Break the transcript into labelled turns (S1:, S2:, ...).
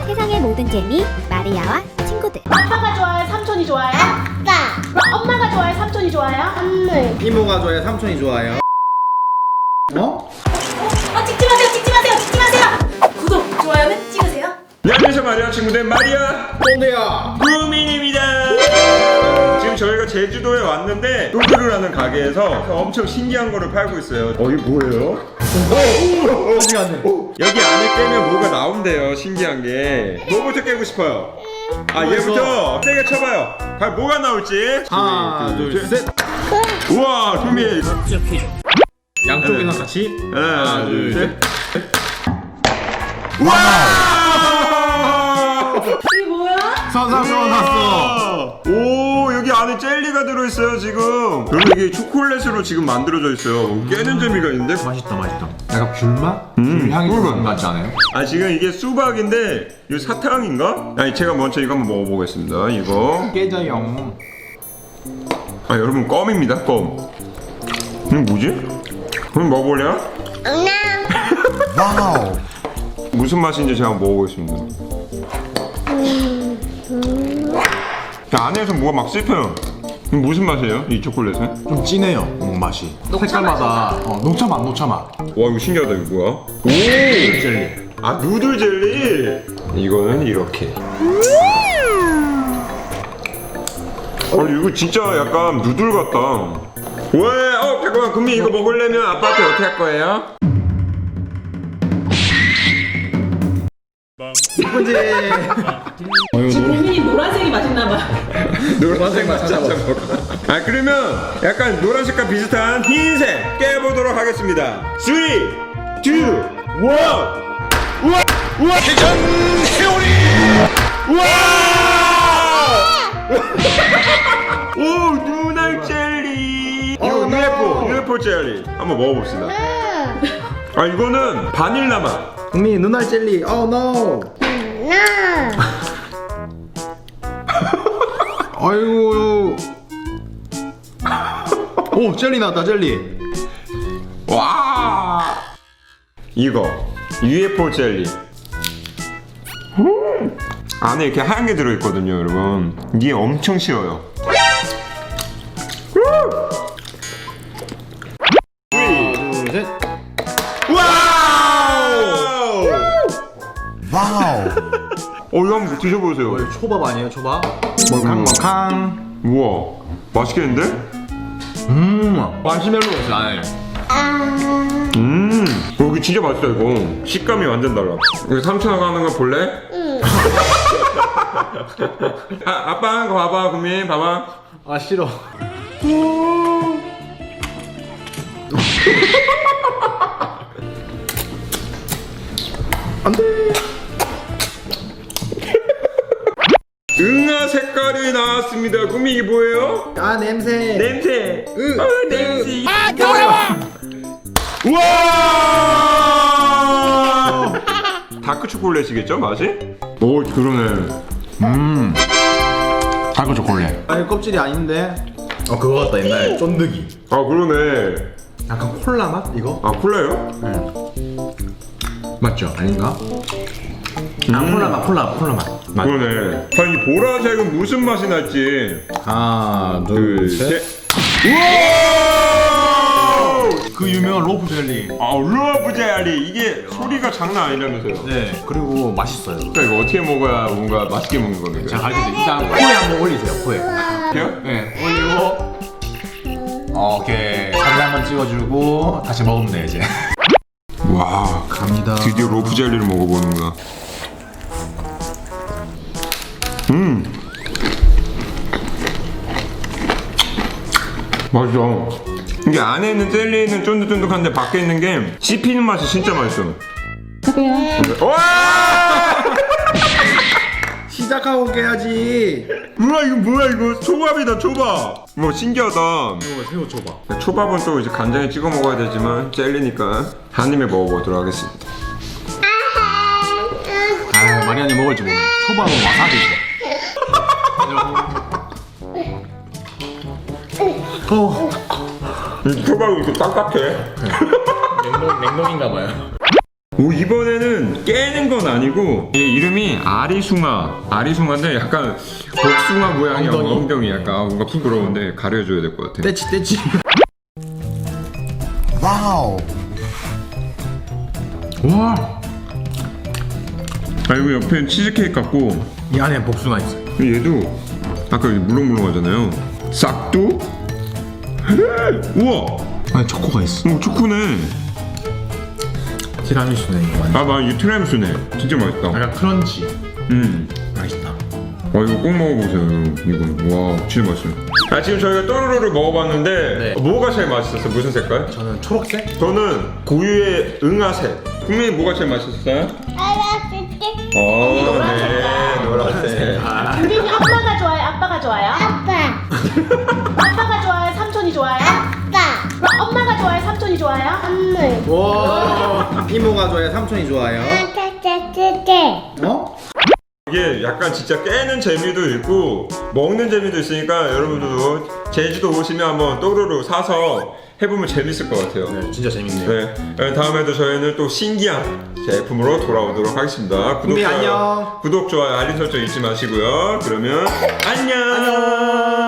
S1: 세상의 모든 재미 마리아와 친구들.
S2: 아빠가 좋아요? 삼촌이 좋아요?
S3: 아빠,
S2: 그럼 엄마가 좋아요? 삼촌이 좋아요?
S3: 선물.
S4: 이모가 좋아요? 삼촌이 좋아요? 어?
S2: 찍지 마세요, 찍지 마세요, 찍지 마세요. 구독, 좋아요는 찍으세요.
S5: 네, 안녕하세요 마리아 친구들 마리아
S4: 꼰대야!
S5: 구민입니다. 지금 저희가 제주도에 왔는데 또르르라는 가게에서 엄청 신기한 거를 팔고 있어요. 이게 뭐예요?
S4: 어디 갔네?
S5: 여기 안에 깨면 뭐가 나온대요. 신기한 게 뭐부터 깨고 싶어요? 얘부터 세게 쳐봐요. 과연 뭐가 나올지.
S4: 하나, 둘, 셋!
S5: 우와 구미.
S4: 양쪽이랑 같이?
S5: 하나 둘 셋.
S4: 우와!
S2: 이게 뭐야?
S4: 났어!
S5: 오 여기 안에 젤리가 들어있어요 지금. 그리고 이게 초콜릿으로 지금 만들어져 있어요. 깨는 재미가 있는데.
S4: 맛있다. 약간 귤맛? 귤 향이 좀 나는 것 같지 않아요?
S5: 지금 이게 수박인데 이거 사탕인가? 제가 먼저 이거 한번 먹어보겠습니다. 이거
S4: 깨져요.
S5: 여러분 껌입니다. 껌. 이거 뭐지? 그럼 먹어볼래요?
S4: 와우!
S5: 무슨 맛인지 제가 한번 먹어보겠습니다. 안에서 뭐가 막 씹혀요. 이거 무슨 맛이에요? 이 초콜릿은?
S4: 좀 진해요, 맛이. 색깔마다 녹차맛.
S5: 와 이거 신기하다. 이거 뭐야? 오!
S4: 젤리.
S5: 누들 젤리. 이거는 이렇게. 이거 진짜 약간 누들 같다. 왜? 잠깐만. 금미 이거 먹으려면 아빠한테 어떻게 할 거예요?
S4: 이쁜지.
S2: 지금 국민이 노란색이 맛있나봐.
S5: 노란색만 찾아봐. 그러면 약간 노란색과 비슷한 흰색 깨보도록 하겠습니다. 3, 2, 1. 우와! 대전 회오리! 우와! 오, 눈알 젤리! 이거 UFO 젤리. 한번 먹어봅시다. 이거는 바닐라 맛.
S4: 국민 눈알 젤리. 노! 아이고. 오, 젤리 나왔다, 젤리.
S5: 와! 이거 UFO 젤리. 안에 이렇게 하얀 게 들어있거든요, 여러분. 이게 엄청 쉬워요.
S4: 하나, 둘, 셋.
S5: 와우!
S4: 와우.
S5: 이거 한번 드셔보세요.
S4: 초밥 아니에요, 초밥? 먹캉.
S5: 우와, 맛있겠는데?
S4: 마시멜로 맛이 나네.
S5: 여기 진짜 맛있다, 이거. 식감이 완전 달라. 여기 삼촌하고 하는 거 볼래? 응. 아빠 하는 거 봐봐, 구민, 봐봐.
S4: 싫어. 안 돼.
S5: 응아 색깔이 나왔습니다. 구민 이게 뭐예요?
S4: 냄새.
S5: 냄새. 냄새.
S4: 더러워.
S5: 우와! 다크 초콜릿이겠죠, 맛이? 오, 그러네.
S4: 달고 초콜릿. 껍질이 아닌데. 그거 같다, 옛날에 쫀득이.
S5: 그러네.
S4: 약간 콜라 맛 이거?
S5: 콜라요?
S4: 맞죠? 아닌가? 콜라 맛.
S5: 그러네. 이 보라색은 무슨 맛이 날지.
S4: 하나,
S5: 둘, 셋. 우와!
S4: 그 유명한 로프 젤리.
S5: 러브 젤리. 이게 소리가 장난 아니라면서요.
S4: 네. 그리고 맛있어요.
S5: 그러니까 이거 어떻게 먹어야 뭔가 맛있게 먹는 겁니까?
S4: 자, 가르쳐 드릴게요. 일단 코에 한번 올리세요. 코에.
S5: 이렇게요?
S4: 네. 올리고. 오케이. 사진 한번 찍어주고 다시 먹으면 돼 이제.
S5: 와,
S4: 갑니다.
S5: 드디어 로프 젤리를 먹어보는구나. 맛있어. 이게 안에 있는 젤리는 쫀득쫀득한데 밖에 있는 게 씹히는 맛이 진짜 맛있어. 와!
S4: 시작하고 깨야지.
S5: 우와 이거 뭐야 이거 초밥이다 초밥. 뭐 신기하다.
S4: 이거 새우 초밥.
S5: 초밥은 또 이제 간장에 찍어 먹어야 되지만 젤리니까 한 입에 먹어보도록 하겠습니다.
S4: 마리안이 먹을지 모르네. 초밥은 와사비죠.
S5: 이 초밥이 이렇게 딱딱해.
S4: 냉동인가 봐요.
S5: 오, 이번에는 깨는 건 아니고 이 이름이 아리숭아인데 약간 복숭아 모양의 엉덩이 약간 뭔가 부끄러운데 가려줘야 될 것 같아.
S4: 떼치. 와우. 와.
S5: 아, 이거 옆에는 치즈케이크 같고
S4: 이 안에 복숭아 있어.
S5: 얘도 아까 물렁물렁하잖아요. 싹두? 우와.
S4: 안에 초코가 있어.
S5: 오, 초코네.
S4: 티라미수네 이거 완전.
S5: 아, 맞아. 이 티라미수네. 진짜 맛있다.
S4: 약간 크런치. 맛있다.
S5: 와, 이거 꼭 먹어보세요. 이거 와, 진짜 맛있어요. 아, 지금 저희가 또르르를 먹어봤는데
S4: 네.
S5: 뭐가 제일 맛있었어요? 무슨 색깔?
S4: 저는 초록색?
S5: 저는 고유의 응아색. 국민이 뭐가 제일 맛있었어요? 네, 노란색.
S2: 우리는 엄마가 좋아요? 아빠가 좋아요?
S1: 아빠.
S2: 아빠가 좋아요? 삼촌이 좋아요?
S1: 아빠.
S2: 그럼 엄마가 좋아요? 삼촌이 좋아요?
S1: 선물.
S3: 와 이모가 좋아해 삼촌이 좋아요 어?
S5: 이게 약간 진짜 깨는 재미도 있고 먹는 재미도 있으니까 여러분들도 제주도 오시면 한번 또르르 사서 해보면 재밌을 것 같아요.
S4: 네, 진짜 재밌네요.
S5: 네, 다음에도 저희는 또 신기한 제품으로 돌아오도록 하겠습니다.
S3: 국민 안녕.
S5: 구독, 좋아요, 알림 설정 잊지 마시고요. 그러면 안녕.